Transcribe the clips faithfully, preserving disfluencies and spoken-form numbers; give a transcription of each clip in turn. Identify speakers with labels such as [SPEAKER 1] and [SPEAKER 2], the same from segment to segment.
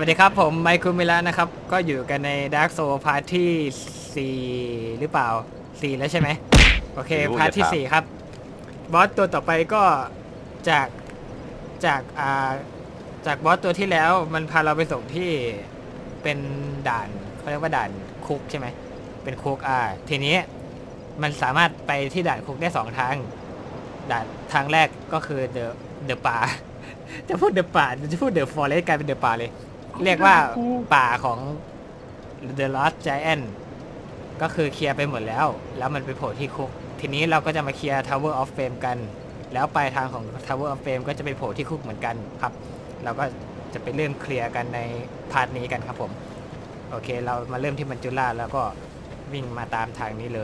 [SPEAKER 1] วัสดีครับผมไมค์คุมิระนะครับก็อยู่กันใน Dark Soul พาร์ทที่สี่หรือเปล่าสี่แล้วใช่ไหมโอเค
[SPEAKER 2] ไม่รู้
[SPEAKER 1] พาร์ทที่
[SPEAKER 2] อย่าถาม
[SPEAKER 1] สี่ครับบอสตัวต่อไปก็จากจากอ่าจากบอสตัวที่แล้วมันพาเราไปส่งที่เป็นด่านเขาเรียกว่าด่านคุกใช่ไหมเป็นคุกอ่าทีนี้มันสามารถไปที่ด่านคุกได้สองทางด่านทางแรกก็คือ the the ป่า จะพูด the ป่าจะพูด the forest กลายเป็น the ป่าเลย เรียกว่าป่าของ The Lost Giant ก็คือเคลียร์ไปหมดแล้ว แล้วมันไปโผล่ที่คุก ทีนี้เราก็จะมาเคลียร์ Tower of Fame กัน แล้วปลายทางของ Tower of Fame ก็จะไปโผล่ที่คุกเหมือนกันครับ เราก็จะไปเริ่มเคลียร์กันในพาร์ทนี้กันครับผม โอเค เรามาเริ่มที่มัจจุราชแล้วก็วิ่งมาตามทางนี้เลย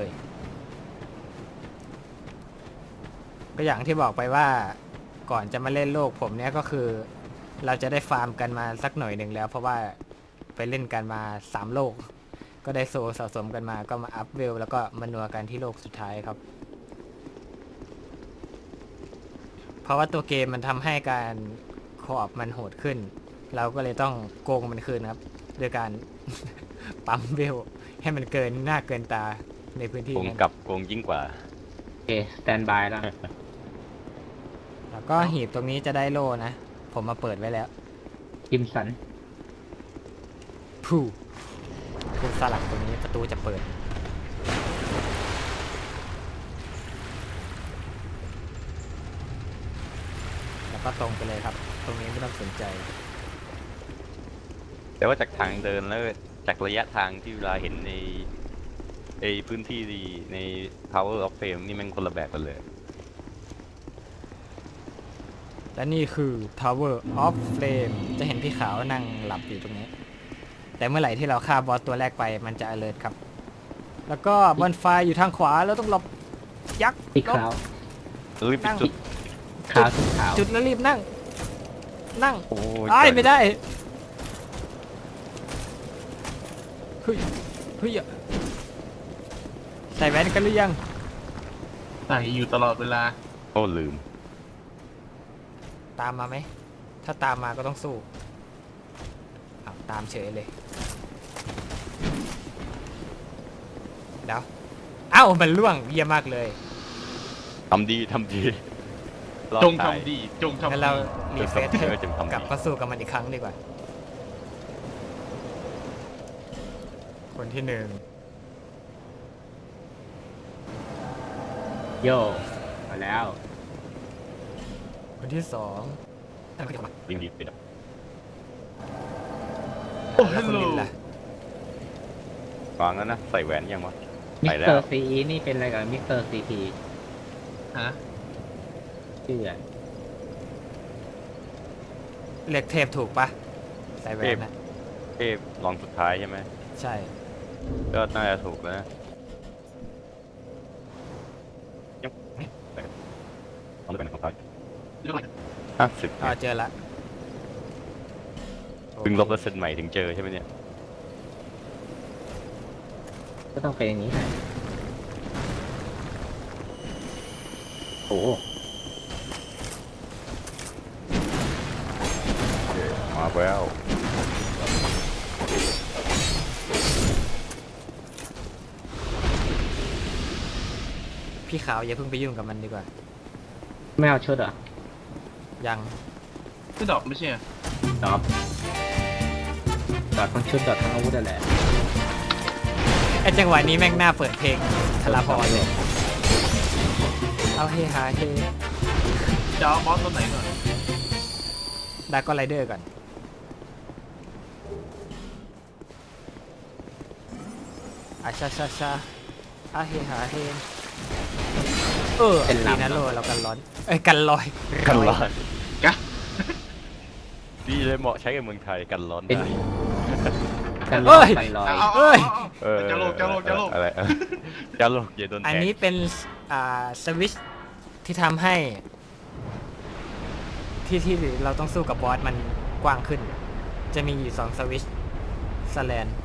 [SPEAKER 1] ก็อย่างที่บอกไปว่าก่อนจะมาเล่นโลกผมเนี้ยก็คือ เราจะได้ฟาร์มกันมาสักหน่อยหนึ่งแล้ว เพราะว่าไปเล่นกันมาสามโลกก็ได้โซสะสมกันมาก็มาอัพเวลแล้วก็มานัวกันที่โลกสุดท้ายครับเพราะว่าตัวเกมมันทำให้การคออบมันโหดขึ้นเราก็เลยต้องโกงมันคืนครับโดยการ ปั๊มเวลให้มันเกินหน้าเกินตาในพื้นที่
[SPEAKER 2] โกง
[SPEAKER 1] นั้น
[SPEAKER 2] กับโกงยิ่งกว่า
[SPEAKER 3] โอเคสแตนบายแล้ว
[SPEAKER 1] แล้วก็หีบตรงนี้จะได้โล่นะผมมาเปิดไว้แล้ว
[SPEAKER 3] กิมสัน
[SPEAKER 1] ผู้ผู้สลักตรงนี้ประตูจะเปิดแล้วก็ตรงไปเลยครับตรงนี้ไม่ต้องสนใจ
[SPEAKER 2] แต่ว่าจากทางเดินแล้วจากระยะทางที่เวลาเห็นในในพื้นที่ใน Power of Fame นี่มันคนละแบบกันเลย
[SPEAKER 1] และนี่คือ Tower of Flame จะเห็นพี่ขาวนั่งหลับอยู่ตรงนี้ แต่เมื่อไหร่ที่เราฆ่าบอสตัวแรกไปมันจะ alert ครับ แล้วก็บนไฟอยู่ทางขวาเราต้องหลบยักษ์
[SPEAKER 3] ที่
[SPEAKER 1] หลบ
[SPEAKER 3] ขาว
[SPEAKER 2] รีบไปจุด
[SPEAKER 3] ขาวที่ขาว
[SPEAKER 1] จุดแล้วรีบนั่ง นั่ง
[SPEAKER 2] โอ้ย
[SPEAKER 1] ไอ้ายไม่ได้เฮ้ยเฮ้ยใส่แว่นกันหรือยัง
[SPEAKER 4] ใส่อยู่ตลอดเวลา
[SPEAKER 2] โอ้ลืม
[SPEAKER 1] ตามมาไหม ถ้าตามมาก็ต้องสู้เอาตามเฉยเลย เดี๋ยว เอ้า มันล่วงเยี่ยมมากเลย
[SPEAKER 2] ทำดีทำดีรอด
[SPEAKER 4] จง
[SPEAKER 2] ตาย
[SPEAKER 4] ทำดี จง
[SPEAKER 1] งั้น
[SPEAKER 4] ทำ
[SPEAKER 1] เรา
[SPEAKER 4] ดี
[SPEAKER 1] รีเฟรช
[SPEAKER 2] เออจงทำดี
[SPEAKER 1] กลับมาสู้กับมันอีกครั้งดีกว่า คนที่หนึ่ง
[SPEAKER 3] โยมาแล้ว
[SPEAKER 1] คนที่สอง
[SPEAKER 2] รีบรีบไปดับ
[SPEAKER 4] โอ้
[SPEAKER 1] แล้ว
[SPEAKER 4] ฮัล
[SPEAKER 1] คน
[SPEAKER 4] โหล
[SPEAKER 1] ลินล่ะ
[SPEAKER 2] ฟังแล้วนะ ใส่แหวนยังวะ
[SPEAKER 3] มิ
[SPEAKER 2] ใส่
[SPEAKER 3] ส
[SPEAKER 2] แล้
[SPEAKER 3] เตอ
[SPEAKER 2] ว
[SPEAKER 3] ร์ซีนี่เป็นอะไรกับมิสเตอร์ซีที
[SPEAKER 4] ฮะ
[SPEAKER 3] ชื่ออะไร
[SPEAKER 1] เรียกเทพถูกปะใส่แหวนนะ
[SPEAKER 2] เทพลองสุดท้ายใช่ไหม
[SPEAKER 1] ใช่
[SPEAKER 2] ก็น่าจะถูกแล้วนะยังลองดูเป็นของเขา
[SPEAKER 4] เรื่องอะไร
[SPEAKER 2] ห้าสิบ
[SPEAKER 1] อ๋อเจอละ
[SPEAKER 2] เพิ่งลบแล้วเซ็นใหม่ถึงเจอใช่ไหมเนี่ย
[SPEAKER 3] ก็ต้องเป็นอย่างนี้โอ้
[SPEAKER 2] มาแล้ว
[SPEAKER 1] พี่ขาวอย่าเพิ่งไปยุ่งกับมันดีกว่า
[SPEAKER 3] ไม่เอาชุดเหรอ
[SPEAKER 1] ยัง
[SPEAKER 4] คือดอกไม่ใช่เหรอ
[SPEAKER 3] ดอบดอดทั้งชุดดอดทั้งอาวุธอะไร
[SPEAKER 1] ไอจังหวะนี้แม่งหน้าเปิดเพลงทลาพรเลย เอาเฮฮาเฮ
[SPEAKER 4] จะเอาบอสตัวไหนก่อน
[SPEAKER 1] ดาร์กไรเดอร์ก่อนอาชาชาชาอาเฮฮาเฮเออดีนะโลเรากันร้อน เอ้ยกันลอย
[SPEAKER 2] กันร้อน
[SPEAKER 4] กะ
[SPEAKER 2] ดีเลยเหมาะใช้กับเมืองไทยกันร้อน
[SPEAKER 3] เป็น
[SPEAKER 2] ได้
[SPEAKER 3] กันล
[SPEAKER 1] เอ้
[SPEAKER 3] อย
[SPEAKER 1] ย
[SPEAKER 3] กันลอย
[SPEAKER 4] เอาเอา
[SPEAKER 1] เอ้ย
[SPEAKER 2] เออ
[SPEAKER 4] จะโลกจะโลกจะโลก
[SPEAKER 2] อะไร จะโลกอย่าโดนแทง
[SPEAKER 1] อันนี้เป็นอ่าสวิตช์ที่ทำให้ ที่ที่เราต้องสู้กับบอสมันกว้างขึ้น จะมีอยู่สองสวิตช์สแลน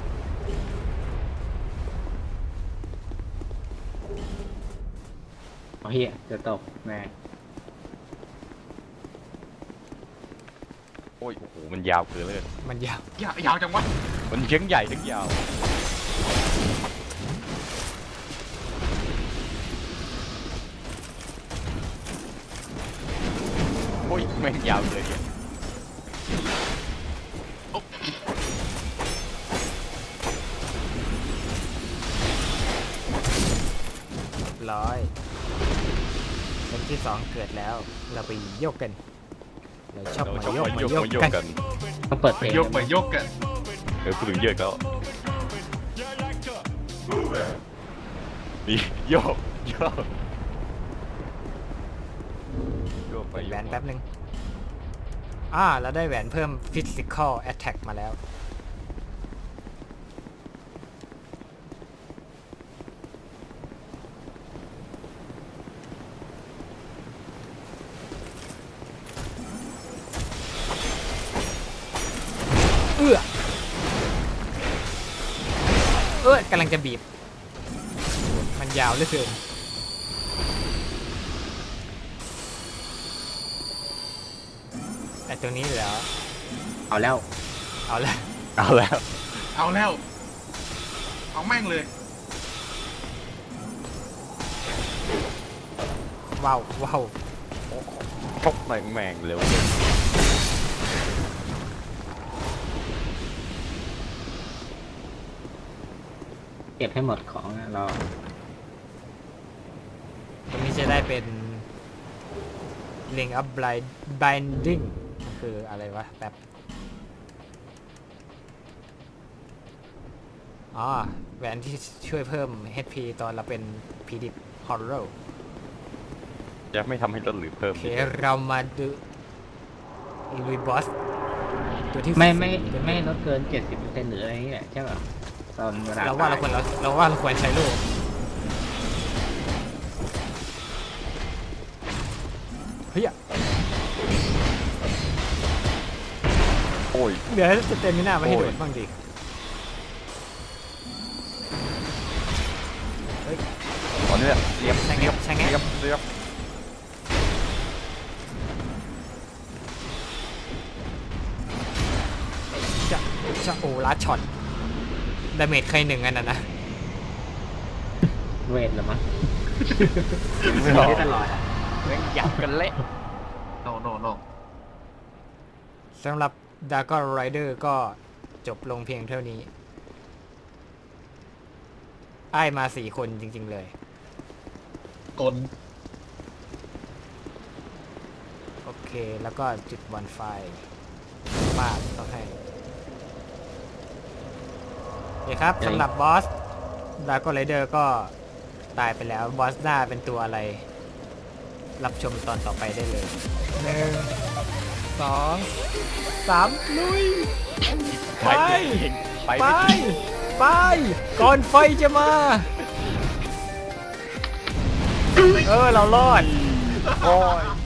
[SPEAKER 3] โอ้เฮียจะตกแม่
[SPEAKER 2] โอ้ยโอ้โหมันยาวเกินเลย
[SPEAKER 1] มันยาว
[SPEAKER 4] ยาวยาวจังวะ
[SPEAKER 2] มันเชียงใหญ่ทั้งยาวโอ้ยแม่งยาวเลยเนี่ย
[SPEAKER 1] ร้อยเป็นที่สองเกิดแล้ว เราไปโยกกัน เราชอบ
[SPEAKER 2] เรา
[SPEAKER 1] มา
[SPEAKER 2] ชอบ
[SPEAKER 1] โยก
[SPEAKER 2] มา
[SPEAKER 1] มา
[SPEAKER 2] โยก
[SPEAKER 1] โยก
[SPEAKER 2] มาโยก
[SPEAKER 1] กัน
[SPEAKER 2] กัน
[SPEAKER 3] ต้องเปิดเพลง
[SPEAKER 4] ยกไปยกกัน
[SPEAKER 2] เออพูดถึงเยอะแล้วนี่โยกโยกโยกไป
[SPEAKER 1] เปิด
[SPEAKER 2] โย
[SPEAKER 1] แหว
[SPEAKER 2] ก
[SPEAKER 1] น
[SPEAKER 2] มา
[SPEAKER 1] แป๊บนึงอ่าเราได้แหวนเพิ่ม physical attack มาแล้ว เอื้อเอ้ยกำลังจะบีบ มันยาวเหลือเกินไอ้ตัวนี้เหรอ
[SPEAKER 3] เอาแล้ว
[SPEAKER 1] เอาละ
[SPEAKER 2] เอาแล้ว
[SPEAKER 4] เอาแล้ว เอาแม่งเลย
[SPEAKER 1] ว้าวว้าว
[SPEAKER 2] ชกแม่งแม่งเร็วเลย
[SPEAKER 3] เก็บให้หมดของนะเรา
[SPEAKER 1] ตัวนี้จะได้เป็น Ring of Blind Binding คืออะไรวะแป๊บอ๋อแหวนที่ช่วยเพิ่ม เอช พี ตอนเราเป็น พี ดี Horror
[SPEAKER 2] จะไม่ทำให้ลดหรือเพิ่ม
[SPEAKER 1] โอเคเรามาดูลุยบอสตัวที่
[SPEAKER 3] ไม่ไม่
[SPEAKER 1] สี่
[SPEAKER 3] ไม่ลดเกินเจ็ดสิบเปอร์เซ็นต์หรืออะไรอย่างเงี้ยใช่ป่ะตอนเวลา
[SPEAKER 1] เราว่าเราควรเราเราว่าเราควรใช้ลูกเฮ้ย
[SPEAKER 2] โอ้ย
[SPEAKER 1] เดี๋ยวให้สเตมิน่ามาให้
[SPEAKER 2] โอ้
[SPEAKER 1] โด
[SPEAKER 2] ย
[SPEAKER 1] ดบ้างดิ
[SPEAKER 2] ตอนนี้เนี่ยเรียบ
[SPEAKER 1] ใช่ไง
[SPEAKER 2] เรียบ
[SPEAKER 1] ใช่ไง
[SPEAKER 2] เรียบเรียบ
[SPEAKER 1] จะจะโอ้ลัดช็อตดาเมจเคยหนึ่งอันน่ะนะ
[SPEAKER 3] เวทเหรือมั้ง
[SPEAKER 2] ไม่
[SPEAKER 3] มี
[SPEAKER 2] หรอก
[SPEAKER 3] ได้ตลอดอะ
[SPEAKER 2] แม่งยับกันเละ
[SPEAKER 4] โนโนโน
[SPEAKER 1] สำหรับ Dragon Rider ก็จบลงเพียงเท่านี้ไอ้ายมาสี่คนจริงๆเลย
[SPEAKER 4] กล
[SPEAKER 1] โอเคแล้วก็จุดบอลไฟมากต้องให้โอเคครับสำหรับบอส Dragon Rider ก็ตายไปแล้ว บอสหน้าเป็นตัวอะไร รับชมตอนต่อไปได้เลยหนึ่งสองสามลุย ไป
[SPEAKER 2] ไป
[SPEAKER 1] ไป
[SPEAKER 2] ไม่ถึง
[SPEAKER 1] ไป ก่อนไฟจะมา เออ เรารอด
[SPEAKER 2] โอ้ย